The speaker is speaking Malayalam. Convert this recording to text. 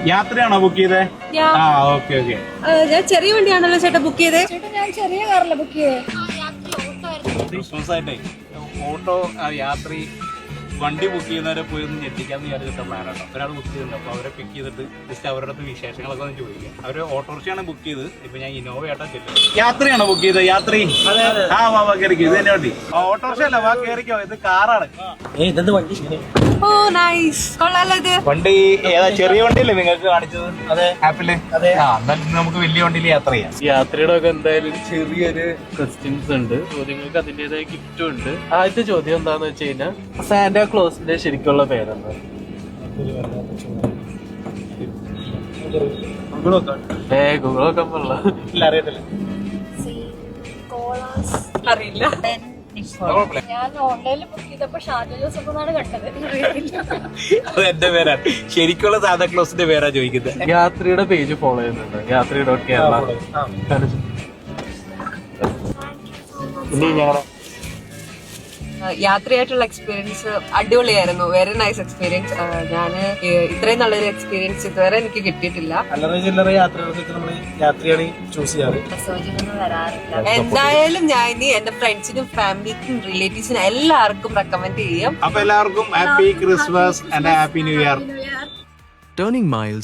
യാത്രയാണോ ബുക്ക് ചെയ്തേ? ആ ഓക്കെ ഓക്കെ. ഞാൻ ചെറിയ വണ്ടിയാണല്ലോ ചേട്ടാ ബുക്ക് ചെയ്തേ? ഞാൻ ചെറിയ കാറില ബുക്ക് ചെയ്തേ. ക്രിസ്മസ് ആയിട്ടേ ഓട്ടോ യാത്രി വണ്ടി ബുക്ക് ചെയ്യുന്നവരെ പോയി ഒന്ന് ഞെട്ടിക്കാന്ന് വിചാരിച്ചിട്ട പ്ലാനാട്ടോ. ഒരാൾ ബുക്ക് ചെയ്തിട്ടുണ്ട്. അപ്പൊ അവരെ പിക്ക് ചെയ്തിട്ട് ജസ്റ്റ് അവരുടെ അടുത്ത് വിശേഷങ്ങളൊക്കെ ഒന്ന് ചോദിക്കാം. അവര് ഓട്ടോറിക്ഷയാണ് ബുക്ക് ചെയ്ത്. ഇപ്പൊ ഞാൻ ഇന്നോവ ആയിട്ടാ ചെല്ലും. യാത്രയാണോ ബുക്ക് ചെയ്തത്? യാത്രി ആ വാ കയറിക്കോ. ഇത് തന്നെ വണ്ടി. ഓട്ടോറിക്ഷ അല്ല, വാ കയറിക്കോ. ഇത് കാറാണ്. ഓ നൈസ്, കൊള്ളാലോ ഇത്. വണ്ടി ഏതാ? ചെറിയ വണ്ടിയല്ലേ നിങ്ങൾക്ക് കാണിച്ചത്? അതെ, ആപ്പില്. ആ എന്നാലും നമുക്ക് വലിയ വണ്ടിയിൽ യാത്ര ചെയ്യാം. യാത്രയുടെ ഒക്കെ എന്തായാലും ചെറിയൊരു ക്വസ്റ്റ്യൻസ് ഉണ്ട്, ചോദ്യങ്ങൾക്ക് അതിന്റേതായ ഗിഫ്റ്റും ഉണ്ട്. ആദ്യത്തെ ചോദ്യം എന്താന്ന് വെച്ച് കഴിഞ്ഞാൽ സാന്റാ ക്ലോസിന്റെ ശരിക്കുള്ള പേരെന്താ? ഗൂഗിളൊക്കെ പറയല്ല. അറിയത്തില്ല. അറിയില്ല. ഞാൻ ഓൺലൈനിൽ ബുക്ക് ചെയ്തപ്പോ ഷാജ ജോസഫ് എന്നാണ് കണ്ടത്. അത് എന്റെ പേരാണ്. ശരിക്കുള്ള സാന്താ ക്ലോസിന്റെ പേരാ ചോദിക്കുന്നത്. യാത്രിയുടെ പേജ് ഫോളോ ചെയ്യുന്നുണ്ട്, യാത്രി.കേരള. ഇനി ഞങ്ങളുടെ യാത്രയായിട്ടുള്ള എക്സ്പീരിയൻസ് അടിപൊളിയായിരുന്നു. Very nice experience. ഞാൻ ഇത്രയും നല്ലൊരു എക്സ്പീരിയൻസ് ഇതുവരെ എനിക്ക് കിട്ടിയിട്ടില്ല. അല്ലറ ചില്ലറ യാത്രകൾക്ക് നമ്മൾ യാത്രയാണ് ചൂസ് ചെയ്യാറ്. എന്തായാലും ഞാൻ ഇനി എന്റെ ഫ്രണ്ട്സിനും ഫാമിലിക്കും റിലേറ്റീവ്സിനും എല്ലാവർക്കും റെക്കമെൻഡ് ചെയ്യും. അപ്പൊ എല്ലാവർക്കും happy Christmas and happy new year. Turning miles